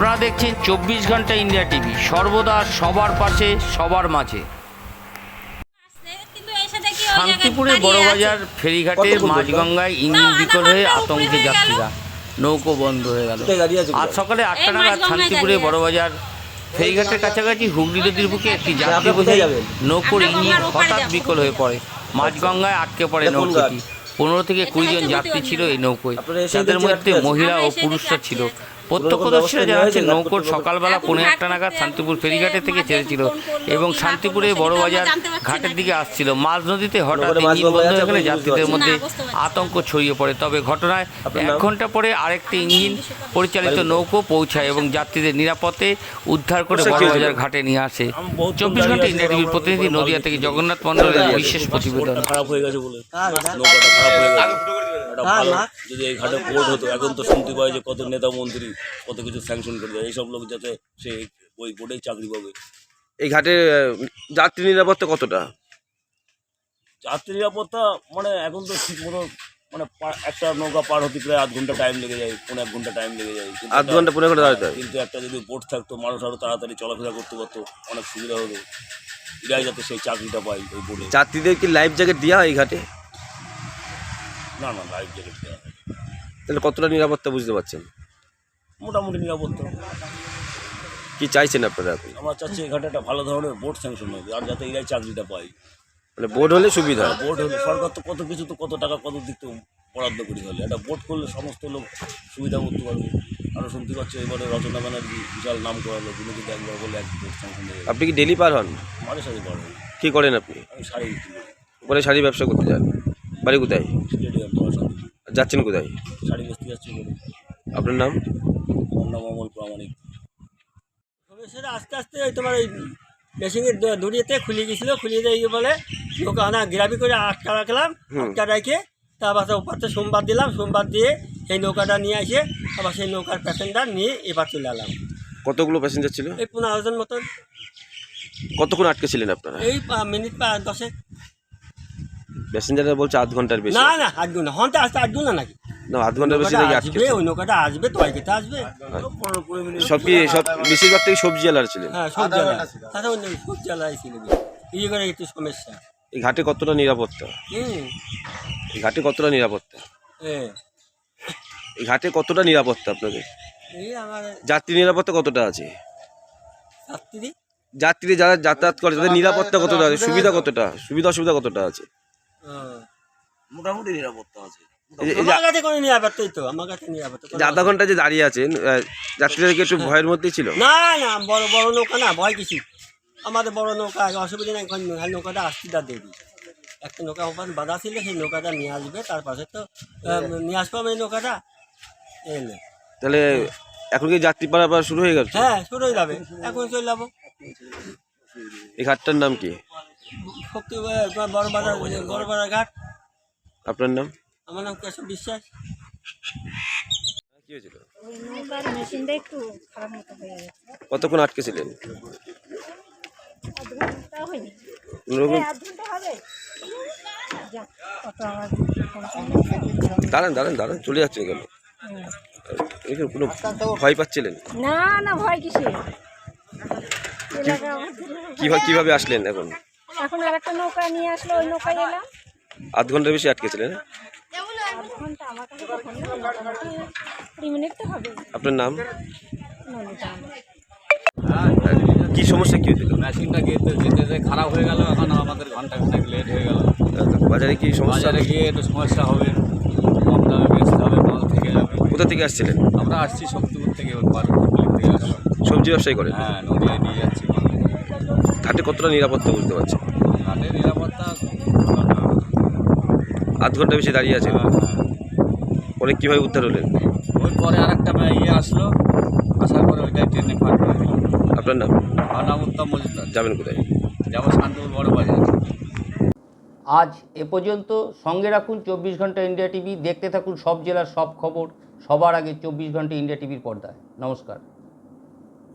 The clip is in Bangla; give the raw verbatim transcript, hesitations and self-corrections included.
আপনারা দেখছেন চব্বিশ ঘন্টা ইন্ডিয়া টিভি, সর্বদা সবার পাশে সবার মাঝে। শান্তিপুরে বড়বাজার ফেরিঘাটের মাঝগঙ্গায় ইঞ্জিন বিকল হয়ে আতঙ্কে যাত্রীরা, নৌকো বন্ধ হয়ে গেল। আজ সকালে আটটা নাগাদ শান্তিপুরে বড়বাজার ফেরিঘাটের কাছাকাছি হুগলি নদীর বুকে একটি যাত্রী বোঝাই নৌকোর ইঞ্জিন হঠাৎ বিকল হয়ে পড়ে। মাঝগঙ্গায় আটকে পড়ে নৌকোটি। পনেরো থেকে কুড়ি জন যাত্রী ছিল এই নৌকোয়, যাদের মধ্যে মহিলা ও পুরুষরা ছিল। প্রত্যক্ষদর্শীরা জানাচ্ছেন নৌকোর সকালবেলা পৌনে একটা নাগাদ শান্তিপুর ফেরিঘাটে থেকে ছেড়েছিল এবং শান্তিপুরে বড়বাজার ঘাটের দিকে আসছিল। মাঝ নদীতে হঠাৎ ইঞ্জিন বন্ধ হয়ে গেলে যাত্রীদের মধ্যে আতঙ্ক ছড়িয়ে পড়ে। তবে ঘটনায় এক ঘন্টা পরে আরেকটি ইঞ্জিন পরিচালিত নৌকো পৌঁছায় এবং যাত্রীদের নিরাপদে উদ্ধার করে বড়বাজার ঘাটে নিয়ে আসে। চব্বিশ ঘন্টা ইন্ডিয়া টিভির প্রতিনিধি নদিয়া থেকে জগন্নাথ মণ্ডলের বিশেষ প্রতিবেদন। খারাপ হয়ে গেছে বলে নৌকাটা খারাপ হয়ে গেছে। এটা ভালো যদি এই ঘাটে বোর্ড হতো। এখন তো শুনতে পাই যে কত নেতা মন্ত্রী কত কিছু স্যাংশন করে দেয়, এইসব লোক যাতে সে ওই বোর্ডেই চাকরি পাবে। এই ঘাটে যাত্রী নিরাপত্তা কতটা? যাত্রী নিরাপত্তা মানে এখন তো ঠিক মতো মানে একটা নৌকা পার হতে প্রায় আধ ঘন্টা টাইম লেগে যায়, পৌনে এক ঘন্টা টাইম লেগে যায়। আধ ঘন্টা পনেরো ঘন্টা দাঁড়াতে হয়। কিন্তু একটা যদি বোট থাকতো মানুষ আরও তাড়াতাড়ি চলাফেরা করতে পারতো, অনেক সুবিধা হতো। এরাই যাতে সেই চাকরিটা পাই ওই বোর্ডে। যাত্রীদের কি লাইফ জ্যাকেট দেওয়া হয় এই ঘাটে? না না, লাইফ জ্যাকেট দেওয়া হয়। তাহলে কতটা নিরাপত্তা বুঝতে পারছেন? মোটামুটি নিরাপত্তা। কি চাইছেন আপনারা এখন? আমরা চাচ্ছি এই ঘাটে একটা ভালো ধরনের বোর্ড স্যাংশন হবে, আর যাতে এরাই চাকরিটা পাই। মানে বোর্ড হলে সুবিধা। বোর্ড হলে সরকার তো কত কিছু তো কত টাকা কত দিক তো বরাদ্দ করি, হলে একটা বোর্ড করলে সমস্ত লোক সুবিধা করতে পারবে। আরও শুনতে পাচ্ছি এবারে রচনা ব্যানার্জি বিশাল নাম করালো, তিনি যদি একবার বলে এক বোর্ড স্যাংশন হয়ে আপনি কি ডেলি পার হন? মাঝে সাথে পারবে। কী করেন আপনি? আমি শাড়ি বিক্রি করি। ওখানে শাড়ি ব্যবসা করতে যান? বাড়ি কোথায়? স্টেডিয়াম তোমার সাথে যাচ্ছেন কোথায়? শাড়ি বেচতে যাচ্ছি বলে। আপনার নাম? আমার নাম অমল প্রামাণিক। সেটা আস্তে আস্তে ওই তোমার ওই মেশিনের দড়িয়েতে খুলে গেছিলো, খুলিয়ে দিয়ে বলে নৌকা আনা গ্রাবি করে আটকা রাখলাম, আটকা রেখে তারপর ওপারতে সোমবার দিলাম, সোমবার দিয়ে সেই নৌকাটা নিয়ে আসে আবার সেই নৌকার প্যাসেঞ্জার নিয়ে এবার চলে এলাম। কতগুলো প্যাসেঞ্জার ছিল? এই পনেরো জন মতন। কতক্ষণ আটকে ছিলেন আপনারা? এই মিনিট পা দশে। প্যাসেঞ্জাররা বলছে আধ ঘন্টার বেশি। না না আট গুণ হন্তে আসতে আট গুণ না নাকি? না, আধ ঘন্টার বেশি নাকি আটকে? ওই নৌকাটা আসবে তো খেতে আসবে। সব কি সব বেশিরভাগ থেকে সবজি আলার ছিলেন? হ্যাঁ সবজি আলা, তাছাড়া সবজি আলাই ছিল। এই করে একটু সমস্যা। এই ঘাটে কতটা নিরাপত্তা? হুম এই ঘাটে কতটা নিরাপত্তা? হ্যাঁ এই ঘাটে কতটা নিরাপত্তা আপনাদের? এই আমার যাত্রী নিরাপত্তা কতটা আছে? ছাত্রী যাত্রী যারা যাতায়াত করে তাদের নিরাপত্তা কতটা আছে? সুবিধা কতটা? সুবিধা অসুবিধা কতটা আছে? মোটামুটি নিরাপত্তা আছে। আমার কাছে কোনো নিরাপত্তাই তো, আমার কাছে নিরাপত্তা যে আধা ঘন্টা যে দাঁড়িয়ে আছেন, যাত্রীরা কি একটু ভয়ের মধ্যেই ছিল? না না, বড় বড় নৌকা না, ভয় কিছু। আমাদের বড় নৌকা অসুবিধা নেই, এখন নৌকাটা আসতিটা দেবি। একটা নৌকা ওখানে বাঁধা ছিল, সেই নৌকাটা নিয়ে আসবে, তার পাশে তো নিয়ে আসবো আমি এই নৌকাটা এলে। তাহলে এখন কি যাত্রী পারাপার শুরু হয়ে গেছে? হ্যাঁ শুরু হয়ে যাবে, এখন চলে যাবো। এই ঘাটটার নাম কি? শক্তি বড় বাজার, বড় বাজার ঘাট। আপনার নাম? আমার নাম কেশব বিশ্বাস। কি হয়েছিল? ওই নৌকার মেশিনটা একটু খারাপ মতো হয়ে গেছে। কতক্ষণ আটকে ছিলেন? আধ ঘন্টা হয়নি। কোনোরকম- হ্যাঁ, আধ ঘন্টা হবে। যাক, কত আওয়াজ। দাঁড়ান দাঁড়ান দাঁড়ান, চলে যাচ্ছেন কেন? এখানে কোনো ভয় পাচ্ছিলেন? না না, ভয় কিসে? এলাকা আমাদের। কিভাবে কিভাবে আসলেন এখন? এখন আর একটা নৌকা নিয়ে আসলো, ওই নৌকায় এলাম। আধ ঘন্টার বেশি আটকে ছিলেন? আধ ঘন্টা আমার কাছে কখন না, মোটামুটি কুড়ি মিনিট তো হবে। আপনার নাম? নদীটা কি সমস্যা কি হয়েছিল? মেশিনটা যেতে যেতে যেতে খারাপ হয়ে গেল, এখন আমাদের ঘন্টা খানেক লেট হয়ে গেল। বাজারে কি সমস্যা? বাজারে গিয়ে একটু সমস্যা হবে, কম দামে বেচতে হবে, মাল থেকে যাবে। কোথা থেকে আসছিলেন? আমরা আসছি শক্তিপুর থেকে, ওর পার হুগলি থেকে আসছি। সবজি ব্যবসায়ী করেন? হ্যাঁ, নদীয়ায় নিয়ে যাচ্ছি। ঘাটে কতটা নিরাপত্তা বুঝতে পারছেন? ঘাটের নিরাপত্তা ভালো না। আধ ঘন্টা বেশি দাঁড়িয়ে আছেন, হ্যাঁ, হ্যাঁ। পরে কীভাবে উদ্ধার হলেন? ওই পরে আর একটা ইয়ে আসলো, আসার পরে ওইটাই ট্রেনে ফাঁক করে দিল। আপনার নাম? আমার নাম উত্তম মজুমদার। যাবেন কোথায়? যাবো শান্তিপুর বড় বাজার। আজ এ পর্যন্ত। সঙ্গে রাখুন চব্বিশ ঘন্টা ইন্ডিয়া টিভি। দেখতে থাকুন সব জেলার সব খবর সবার আগে চব্বিশ ঘন্টা ইন্ডিয়া টিভির পর্দায়। নমস্কার।